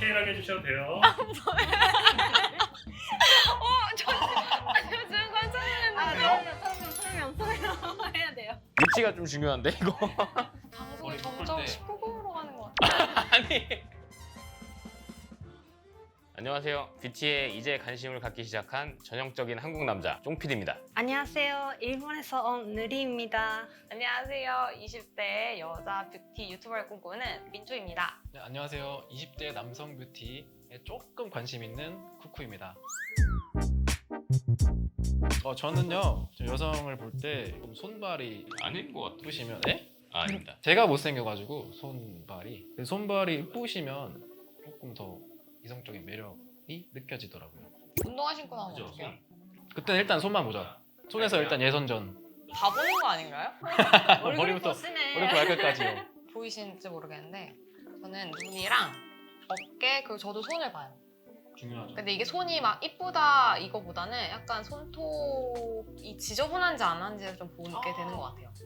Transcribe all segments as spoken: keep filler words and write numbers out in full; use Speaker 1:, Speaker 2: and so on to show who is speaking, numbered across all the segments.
Speaker 1: 디테일하게 해주셔도 돼요.
Speaker 2: 어, 저 지금 깜짝 놀랐는데. 설명, 설명, 설명 해야 돼요.
Speaker 3: 위치가 좀 중요한데 이거.
Speaker 2: 방송이
Speaker 4: 머리 묶을
Speaker 2: 점점
Speaker 4: 때.
Speaker 2: 십구 금으로 가는 것 같아.
Speaker 3: 아니. 안녕하세요. 뷰티에 이제 관심을 갖기 시작한 전형적인 한국 남자 쫑피디입니다.
Speaker 2: 안녕하세요. 일본에서 온 느리입니다. 안녕하세요. 이십 대 여자 뷰티 유튜버를 꿈꾸는 민주입니다.
Speaker 4: 네, 안녕하세요. 이십 대 남성 뷰티에 조금 관심 있는 쿠쿠입니다. 어, 저는요 저 여성을 볼 때 손발이
Speaker 3: 아닌 것 같아.
Speaker 4: 이쁘시면 네?
Speaker 3: 아, 아닙니다.
Speaker 4: 제가 못생겨가지고 손발이 손발이 이쁘시면 조금 더 이성적인 매력이 느껴지더라고요.
Speaker 2: 운동화 신고 나오면
Speaker 3: 그죠?
Speaker 2: 어떡해요?
Speaker 4: 그때는 일단 손만 보자. 손에서 일단 예선전.
Speaker 2: 다 보는 거 아닌가요?
Speaker 4: 머리부터
Speaker 2: 보시네.
Speaker 4: 머리부터 발끝까지요.
Speaker 2: 보이시는지 모르겠는데 저는 눈이랑 어깨 그리고 저도 손을 봐요.
Speaker 4: 중요하죠.
Speaker 2: 근데 이게 손이 막 이쁘다 이거보다는 약간 손톱이 지저분한지 안 한지를 좀 보게 되는 것 같아요.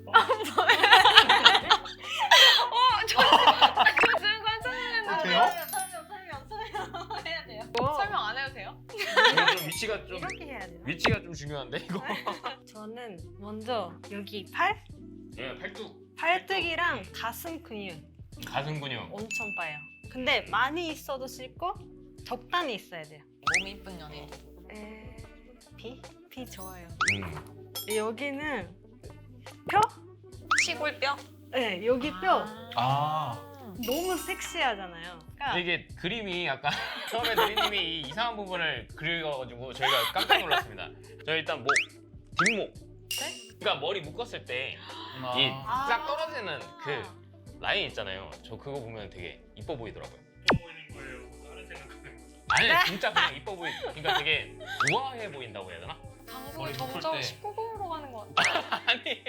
Speaker 2: 어, 저 지금 깜짝 놀랐는데.
Speaker 4: 돼요?
Speaker 2: 설명, 설명, 설명 해야 돼요. 설명 안 해도 돼요?
Speaker 3: 좀 위치가 좀
Speaker 2: 이렇게 해야 돼요.
Speaker 3: 위치가 좀 중요한데 이거.
Speaker 5: 저는 먼저 여기 팔?
Speaker 3: 네, 팔뚝,
Speaker 5: 팔뚝이랑 가슴 근육
Speaker 3: 가슴 근육.
Speaker 5: 엄청 빠요. 근데 많이 있어도 싫고 적당히 있어야 돼요.
Speaker 2: 몸이 이쁜 연예인.
Speaker 5: 에... 비? 비 좋아요.
Speaker 3: 음.
Speaker 5: 여기는 뼈?
Speaker 2: 시골뼈?
Speaker 5: 네, 여기 뼈
Speaker 4: 아
Speaker 5: 너무 섹시하잖아요. 그러니까
Speaker 3: 이게 그림이 약간 처음에 누리님이 이 이상한 부분을 그려가지고 저희가 깜짝 놀랐습니다. 저희 일단 목, 뒷목.
Speaker 2: 네?
Speaker 3: 그러니까 머리 묶었을 때
Speaker 4: 아.
Speaker 3: 이 싹 떨어지는 그 라인 있잖아요. 저 그거 보면 되게 이뻐 보이더라고요.
Speaker 1: 뭐 보이는 거예요? 다른 생각하는 거예요?
Speaker 3: 아니 진짜 그냥 이뻐 보이. 그러니까 되게 우아해 보인다고 해야 되나?
Speaker 2: 방송이
Speaker 4: 머리 묶을
Speaker 2: 점점
Speaker 4: 때.
Speaker 2: 십구 금으로 가는 것 같아.
Speaker 3: 아니.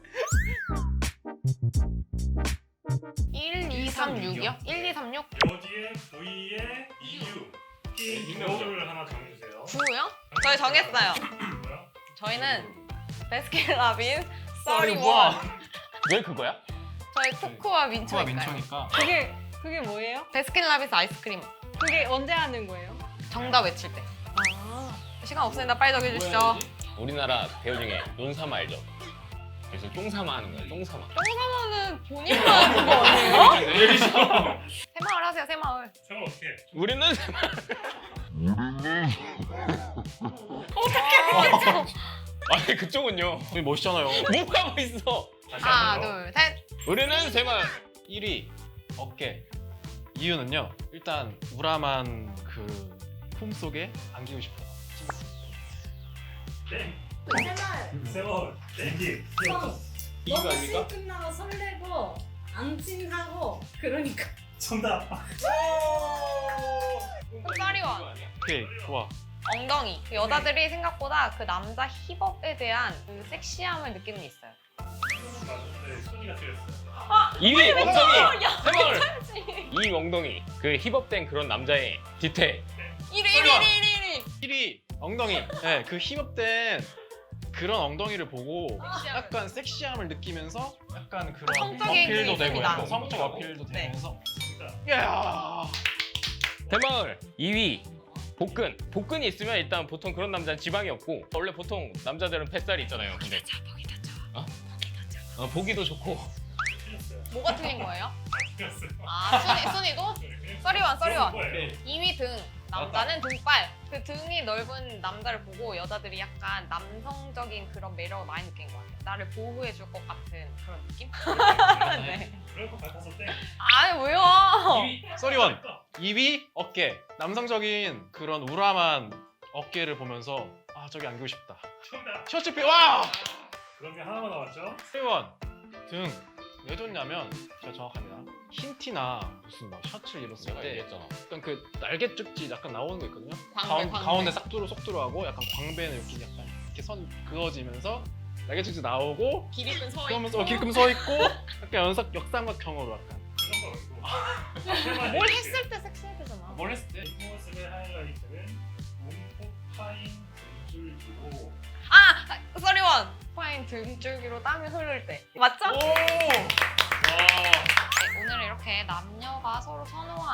Speaker 2: 일, 이, 삼, 육이요? 일, 이, 삼, 육?
Speaker 1: 여기에 V에 이유 P 이거를 하나 정해주세요.
Speaker 2: 구요? 저희 정했어요.
Speaker 1: 뭐야?
Speaker 2: 저희는 베스킨라빈
Speaker 4: 썰이
Speaker 2: 썰이원.
Speaker 4: 와.
Speaker 3: 왜 그거야?
Speaker 2: 저희 코코아
Speaker 4: 코가
Speaker 2: 민초니까요.
Speaker 4: 민초니까.
Speaker 5: 그게 그게 뭐예요?
Speaker 2: 베스킨라빈스 아이스크림.
Speaker 5: 그게 언제 하는 거예요?
Speaker 2: 정답 외칠 때.
Speaker 5: 아,
Speaker 2: 시간 없으니까 빨리 정해주시죠.
Speaker 3: 우리나라 배우 중에 논사마 알죠? 그래서 쫑사마 하는 거야. 쫑사마.
Speaker 2: 똥사마는 본인만 하는 거 아니에요?
Speaker 1: 내리죠.
Speaker 2: 새마을 하세요, 새마을.
Speaker 1: 생각 어떻게 해?
Speaker 3: 우리는 아니 그쪽은요.
Speaker 4: 되게 멋있잖아요.
Speaker 3: 뭐 하고 있어?
Speaker 1: 다시
Speaker 2: 하나,
Speaker 1: 한번
Speaker 2: 둘, 셋.
Speaker 3: 우리는 세마.
Speaker 4: 일 위 어깨. 이유는요. 일단 우람한 그 품속에 안기고 싶어요.
Speaker 1: 네.
Speaker 6: 제발
Speaker 1: 세월 내기.
Speaker 4: 이유가 아닙니까?
Speaker 6: 끝나고 설레고 안친하고 그러니까
Speaker 1: 정답.
Speaker 2: 쌀이원.
Speaker 4: 오케이 좋아.
Speaker 2: 엉덩이. 여자들이 생각보다 그 남자 힙업에 대한 그 섹시함을 느끼는 게 있어요.
Speaker 1: 네, 손이가 틀렸어요.
Speaker 3: 이 위 엉덩이. 세마을. 이 위 엉덩이. 그 힙업된 그런 남자의 디테일.
Speaker 2: 일 위, 일 위, 일 위, 일 위.
Speaker 4: 일 위 엉덩이. 네, 그 힙업된 그런 엉덩이를 보고 약간 섹시함을 느끼면서 약간 그런
Speaker 2: 성적인
Speaker 4: 어필도
Speaker 2: 그게
Speaker 4: 되고
Speaker 2: 있습니다.
Speaker 4: 약간 성적 어필도
Speaker 2: 네.
Speaker 4: 되면서
Speaker 1: 진짜.
Speaker 4: 야
Speaker 3: 세마을. 이 위 복근. 복근이 있으면 일단 보통 그런 남자는 지방이 없고 원래 보통 남자들은 뱃살이 있잖아요. 근데
Speaker 2: 보기 더 좋아.
Speaker 3: 어? 어, 보기도 좋고.
Speaker 1: 틀렸어요.
Speaker 2: 뭐가 틀린 거예요?
Speaker 1: 틀렸어요.
Speaker 2: 아, 순위, 순위도? 썰이원, 썰이원.
Speaker 1: 뭐예요?
Speaker 2: 이 위 등, 남자는 등발. 그 등이 넓은 남자를 보고 여자들이 약간 남성적인 그런 매력을 많이 느낀 것 같아요. 나를 보호해줄 것 같은 그런 느낌? 네.
Speaker 1: 그럴 것 같아서 땡.
Speaker 2: 아니, 왜요?
Speaker 4: 쏘리원. 이 위 어깨. 남성적인 그런 우람한 어깨를 보면서 아 저기 안기고 싶다.
Speaker 1: 정답.
Speaker 4: 셔츠 피 와!
Speaker 1: 그런 게 하나만 남았죠?
Speaker 4: 쏘리원 등. 왜 좋냐면 제가 정확합니다. 흰 티나 무슨 막 셔츠를 입었을
Speaker 3: 내가
Speaker 4: 때
Speaker 3: 얘기했잖아.
Speaker 4: 약간 그 날개 쭉지 약간 나오는 거 있거든요.
Speaker 2: 광배,
Speaker 4: 가운,
Speaker 2: 광배.
Speaker 4: 가운데 싹 뚫어 쏙 들어가고 약간 광배는 이렇게 약간 이렇게 선 그어지면서 날개 쭉지 나오고
Speaker 2: 길이끈 서
Speaker 4: 그러면서 길금 서 있고 약간 연석 역삼각형으로 약간
Speaker 1: 그런 거 말고.
Speaker 2: 뭘 했을 때 섹시해지잖아.
Speaker 4: 뭘 했을 때?
Speaker 1: 뒷모습의 하이라이트는 몸폭 파인 등줄기고
Speaker 2: 아! 썰이원! 파인 등줄기로 땀이 흐를 때. 맞죠?
Speaker 4: 오! 와.
Speaker 2: 네, 오늘은 이렇게 남녀가 서로 선호하는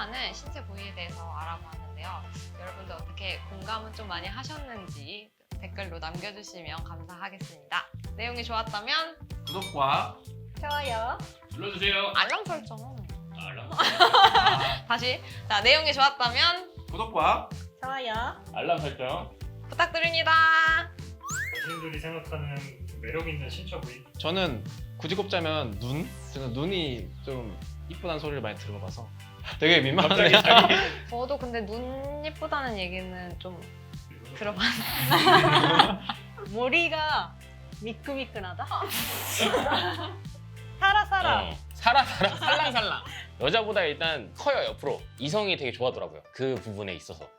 Speaker 2: 좋아하는 신체 부위에 대해서 알아보았는데요. 여러분들 어떻게 공감은 좀 많이 하셨는지 댓글로 남겨주시면 감사하겠습니다. 내용이 좋았다면
Speaker 4: 구독과
Speaker 5: 좋아요.
Speaker 3: 눌러주세요.
Speaker 2: 알람 설정.
Speaker 3: 알람.
Speaker 2: 다시. 자, 내용이 좋았다면
Speaker 4: 구독과
Speaker 5: 좋아요.
Speaker 3: 알람 설정.
Speaker 2: 부탁드립니다.
Speaker 1: 자신들이 생각하는 매력 있는 신체 부위.
Speaker 4: 저는 굳이 꼽자면 눈? 저는 눈이 좀 이쁘다는 소리를 많이 들어봐서 되게 민망하네요.
Speaker 3: 갑자기 자기
Speaker 2: 저도 근데 눈 예쁘다는 얘기는 좀 들어봤어요.
Speaker 5: 머리가 미끈미끈하다. 살아 살아.
Speaker 3: 어, 살아 살아 살랑살랑. 여자보다 일단 커요 옆으로. 이성이 되게 좋아하더라고요. 그 부분에 있어서.